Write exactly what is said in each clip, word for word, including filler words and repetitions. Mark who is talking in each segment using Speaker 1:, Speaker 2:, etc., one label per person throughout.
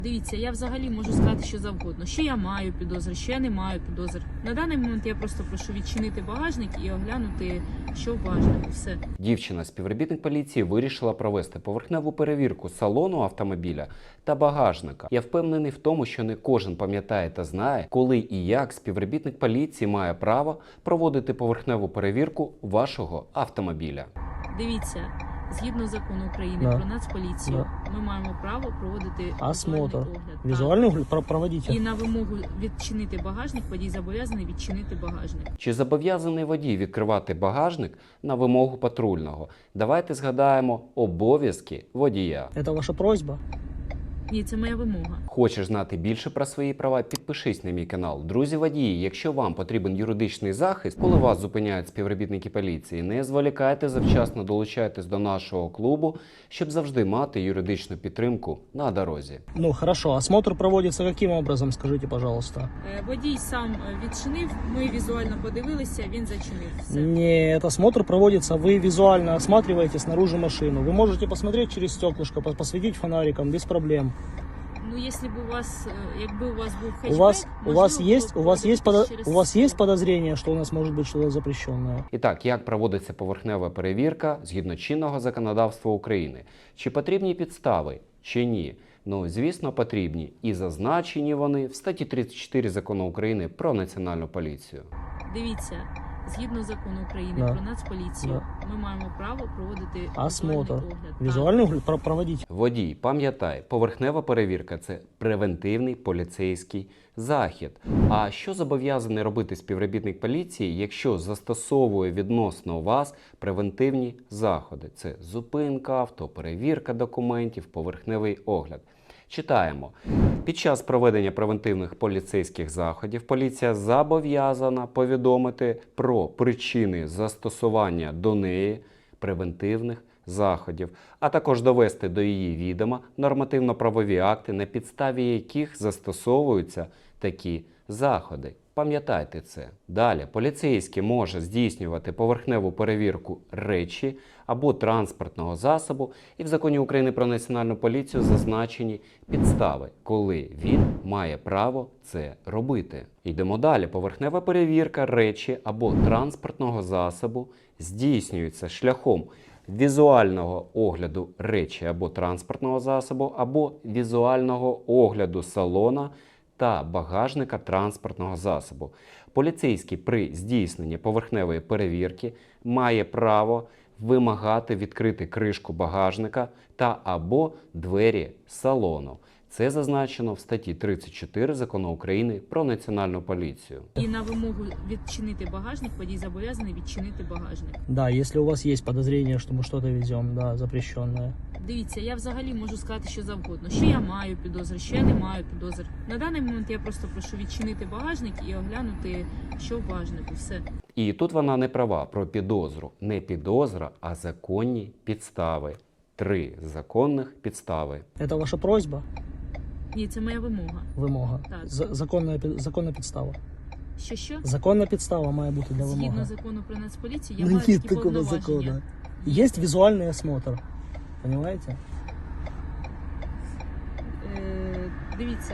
Speaker 1: Дивіться, я взагалі можу сказати, що завгодно. Що я маю підозри, що я не маю підозр. На даний момент я просто прошу відчинити багажник і оглянути, що в багажнику. Все.
Speaker 2: Дівчина, співробітник поліції, вирішила провести поверхневу перевірку салону автомобіля та багажника. Я впевнений в тому, що не кожен пам'ятає та знає, коли і як співробітник поліції має право проводити поверхневу перевірку вашого автомобіля.
Speaker 1: Дивіться, згідно закону України
Speaker 3: Да.
Speaker 1: про Нацполіцію,
Speaker 3: Да.
Speaker 1: ми маємо право проводити
Speaker 3: Осмотр.
Speaker 1: візуальний огляд. Так.
Speaker 3: Визуальный огляд про- проводите.
Speaker 1: І на вимогу відчинити багажник, водій зобов'язаний відчинити багажник.
Speaker 2: Чи зобов'язаний водій відкривати багажник на вимогу патрульного? Давайте згадаємо обов'язки водія.
Speaker 3: Это ваша просьба?
Speaker 1: Ні, це моя вимога.
Speaker 2: Хочеш знати більше про свої права? Підпишись на мій канал. Друзі водії, якщо вам потрібен юридичний захист, коли вас зупиняють співробітники поліції, не зволікайте, завчасно долучайтесь до нашого клубу, щоб завжди мати юридичну підтримку на дорозі.
Speaker 3: Ну, хорошо. Осмотр проводится каким образом, скажите, пожалуйста?
Speaker 1: Е, Водій сам е, відчинив, ми візуально подивилися, він зачинив. Все.
Speaker 3: Нет, осмотр проводится, вы визуально осматриваете снаружи машину. Вы можете посмотреть через стеклышко, пос- посветить фонариком без проблем.
Speaker 1: Ну, якщо б у вас, е, якби у вас був хетчбек,
Speaker 3: У вас, у вас
Speaker 1: можливо,
Speaker 3: есть,
Speaker 1: було
Speaker 3: у вас
Speaker 1: б
Speaker 3: есть, подо-
Speaker 1: через-
Speaker 3: у вас есть подозрение, что у нас может быть что-то запрещенное?
Speaker 2: І так, як проводиться поверхнева перевірка згідно чинного законодавства України? Чи потрібні підстави, чи ні? Ну, звісно, потрібні. І зазначені вони в статті тридцять чотири Закону України про Національну поліцію.
Speaker 1: Дивіться, згідно закону України
Speaker 3: Да.
Speaker 1: про Нацполіцію,
Speaker 3: Да.
Speaker 1: ми маємо право проводити
Speaker 3: Осмотр.
Speaker 1: візуальний огляд. Так.
Speaker 3: Визуальный огляд про- проводите.
Speaker 2: Водій, пам'ятай, поверхнева перевірка – це превентивний поліцейський захід. А що зобов'язаний робити співробітник поліції, якщо застосовує відносно вас превентивні заходи? Це зупинка авто, перевірка документів, поверхневий огляд. Читаємо. Під час проведення превентивних поліцейських заходів поліція зобов'язана повідомити про причини застосування до неї превентивних заходів, а також довести до її відома нормативно-правові акти, на підставі яких застосовуються такі заходи. Пам'ятайте це. Далі, поліцейський може здійснювати поверхневу перевірку речі або транспортного засобу, і в Законі України про Національну поліцію зазначені підстави, коли він має право це робити. Йдемо далі. Поверхнева перевірка речі або транспортного засобу здійснюється шляхом візуального огляду речі або транспортного засобу, або візуального огляду салона та багажника транспортного засобу. Поліцейський при здійсненні поверхневої перевірки має право вимагати відкрити кришку багажника та або двері салону. Це зазначено в статті тридцять чотири Закону України про Національну поліцію.
Speaker 1: І на вимогу відчинити багажник, водій зобов'язаний відчинити багажник.
Speaker 3: Да, если у вас есть подозрение, что мы что-то везем, да, запрещенное.
Speaker 1: Дивіться, я взагалі можу сказати, що завгодно. Що я маю підозри, що я не маю підозр. На даний момент я просто прошу відчинити багажник і оглянути, що в багажнику. Все.
Speaker 2: І тут вона не права про підозру. Не підозра, а законні підстави. Три законних підстави.
Speaker 3: Это ваша просьба?
Speaker 1: Ні, це моя вимога.
Speaker 3: Вимога.
Speaker 1: Так.
Speaker 3: З- законна, пі- законна підстава.
Speaker 1: Що що?
Speaker 3: Законна підстава має бути для
Speaker 1: Згідно
Speaker 3: вимоги.
Speaker 1: закону про Нацполіцію, я
Speaker 3: Ну,
Speaker 1: маю
Speaker 3: нет
Speaker 1: такі
Speaker 3: такого
Speaker 1: повноваження.
Speaker 3: закона. Есть визуальный осмотр. Понимаете?
Speaker 1: Е, дивіться.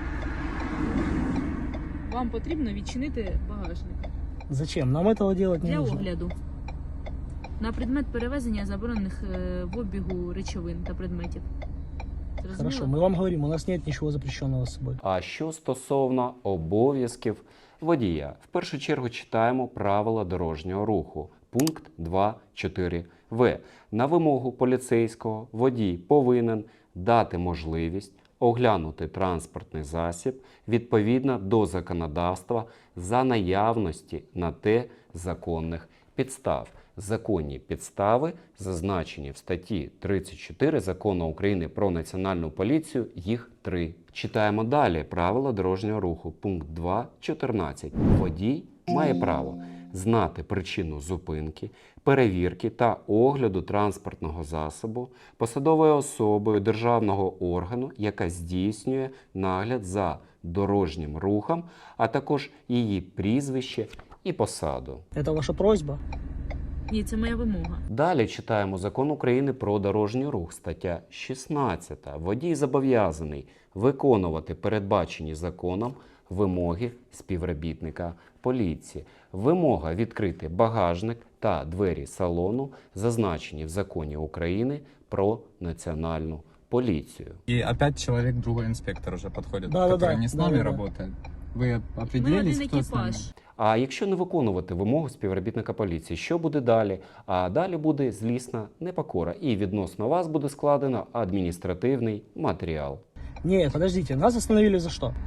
Speaker 1: Вам потрібно відчинити багажник
Speaker 3: Зачем? Нам этого делать не
Speaker 1: для
Speaker 3: нужно.
Speaker 1: огляду. На предмет перевезення заборонених е, в обігу речовин та предметів. Зрозуміло?
Speaker 3: Хорошо, мы вам говорим, у нас нет ничего запрещенного с собой.
Speaker 2: А що стосовно обов'язків водія? В першу чергу читаємо правила дорожнього руху. Пункт два чотири В. На вимогу поліцейського водій повинен дати можливість оглянути транспортний засіб відповідно до законодавства за наявності на те законних підстав. Законні підстави зазначені в статті тридцять чотири Закону України про Національну поліцію, їх три. Читаємо далі правила дорожнього руху. Пункт два чотирнадцять. Водій має право знати причину зупинки, перевірки та огляду транспортного засобу посадовою особою державного органу, яка здійснює нагляд за дорожнім рухом, а також її прізвище і посаду.
Speaker 3: Это ваша просьба?
Speaker 1: Ні, це моя вимога.
Speaker 2: Далі читаємо Закон України про дорожній рух, стаття шістнадцята. Водій зобов'язаний виконувати передбачені законом вимоги співробітника поліції. Вимога відкрити багажник та двері салону зазначені в законі України про національну поліцію.
Speaker 4: И опять человек, другой инспектор уже подходит,
Speaker 3: Да, да,
Speaker 4: который
Speaker 3: да,
Speaker 4: не с
Speaker 3: да,
Speaker 4: нами
Speaker 3: да, да.
Speaker 4: работает. Вы
Speaker 1: Ми
Speaker 4: определились,
Speaker 1: один
Speaker 4: кто с нами?
Speaker 1: екіпаж.
Speaker 2: А якщо не виконувати вимогу співробітника поліції, що буде далі? А далі буде злісна непокора, і відносно вас буде складено адміністративний матеріал.
Speaker 3: Нет, подождите, нас остановили за что?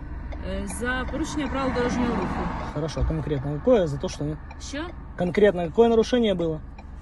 Speaker 1: Е, За порушення правил дорожнього руху.
Speaker 3: Хорошо, конкретно какое? За то, что...
Speaker 1: Що?
Speaker 3: Конкретно какое нарушение было?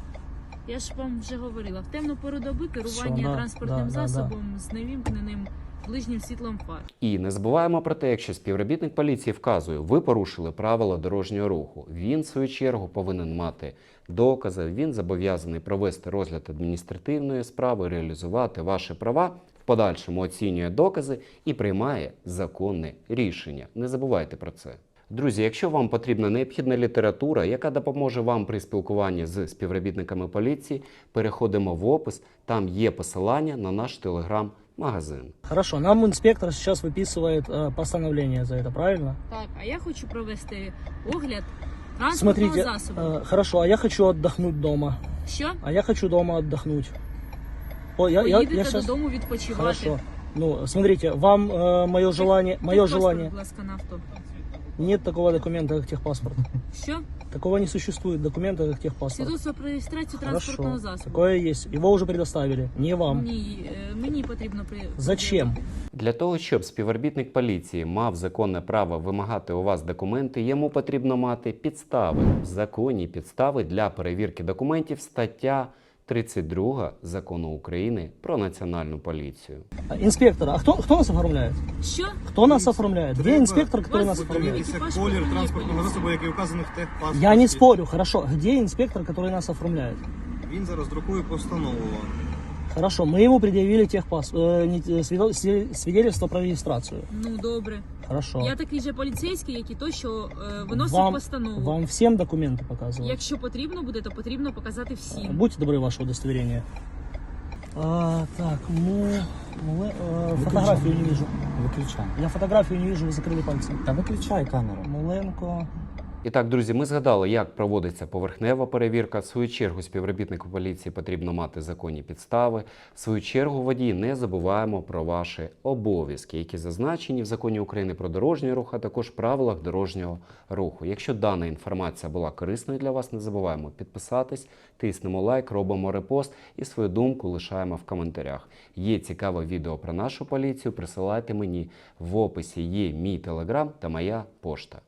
Speaker 1: Я ж вам вже говорила. В темну пору доби керування
Speaker 3: Всё, да,
Speaker 1: транспортним
Speaker 3: да, да, да.
Speaker 1: засобом з невімкненим ближнім світлом фар.
Speaker 2: І не забуваємо про те, якщо співробітник поліції вказує, ви порушили правила дорожнього руху, він, в свою чергу, повинен мати докази, він зобов'язаний провести розгляд адміністративної справи, реалізувати ваші права, в подальшому оцінює докази і приймає законне рішення. Не забувайте про це. Друзі, якщо вам потрібна необхідна література, яка допоможе вам при спілкуванні з співробітниками поліції, переходимо в опис, там є посилання на наш телеграм-магазин.
Speaker 3: Хорошо, нам инспектор сейчас выписывает э, постановление за это, правильно?
Speaker 1: Так, а я хочу провести огляд транспортного
Speaker 3: Смотрите,
Speaker 1: засобу.
Speaker 3: э, хорошо, а я хочу отдохнуть дома.
Speaker 1: Що?
Speaker 3: А я хочу дома отдохнуть. О, я, я,
Speaker 1: Поїдете
Speaker 3: я щас...
Speaker 1: додому відпочивати.
Speaker 3: Хорошо. Ну, смотрите, вам э, мое желание, мое
Speaker 1: Техпаспорт,
Speaker 3: желание.
Speaker 1: будь ласка, на авто.
Speaker 3: Нет такого документа, как техпаспорт.
Speaker 1: Що?
Speaker 3: Такого не существует документа, как техпаспорт.
Speaker 1: Свідоцтво про реєстрацію транспортного
Speaker 3: Хорошо,
Speaker 1: засобу.
Speaker 3: такое есть. Его уже предоставили, не вам.
Speaker 1: Ні, е, мені потрібно при...
Speaker 3: Зачем?
Speaker 2: Для того, щоб співробітник поліції мав законне право вимагати у вас документи, йому потрібно мати підстави. В законі підстави для перевірки документів стаття тридцять два Закону України про національну поліцію.
Speaker 3: А, Инспектор, а кто, кто нас оформляет?
Speaker 1: Що?
Speaker 3: Кто нас оформляет? Где
Speaker 5: Треба
Speaker 3: инспектор, который
Speaker 1: вас
Speaker 3: нас оформляет?
Speaker 5: Подивіться
Speaker 1: Екіпаж
Speaker 5: колір
Speaker 1: патрульної
Speaker 5: транспортного
Speaker 1: поліції.
Speaker 5: засобу, який вказаний в техпаспорті.
Speaker 3: Я не спорю, хорошо. Где инспектор, который нас оформляет?
Speaker 5: Він зараз друкує постанову.
Speaker 3: Хорошо, мы ему предъявили техпас... э, не- э, свидо- сви- свидетельство про регистрацию.
Speaker 1: Ну, добре.
Speaker 3: Хорошо.
Speaker 1: Я такий же поліцейський, як і той, що е, виносив
Speaker 3: Вам,
Speaker 1: постанову.
Speaker 3: вам всем документы показывать?
Speaker 1: Якщо потрібно буде, то потрібно показати всім.
Speaker 3: Будьте добры, ваше удостоверение. А, так, ну, мы, э, фотографию не вижу.
Speaker 4: Выключай.
Speaker 3: Я фотографию не вижу, вы закрыли пальцем.
Speaker 4: Да выключай камеру.
Speaker 3: Муленко.
Speaker 2: І так, друзі, ми згадали, як проводиться поверхнева перевірка. В свою чергу співробітнику поліції потрібно мати законні підстави. В свою чергу водії не забуваємо про ваші обов'язки, які зазначені в Законі України про дорожній рух, а також правилах дорожнього руху. Якщо дана інформація була корисною для вас, не забуваємо підписатись, тиснемо лайк, робимо репост і свою думку лишаємо в коментарях. Є цікаве відео про нашу поліцію, присилайте мені. В описі є мій телеграм та моя пошта.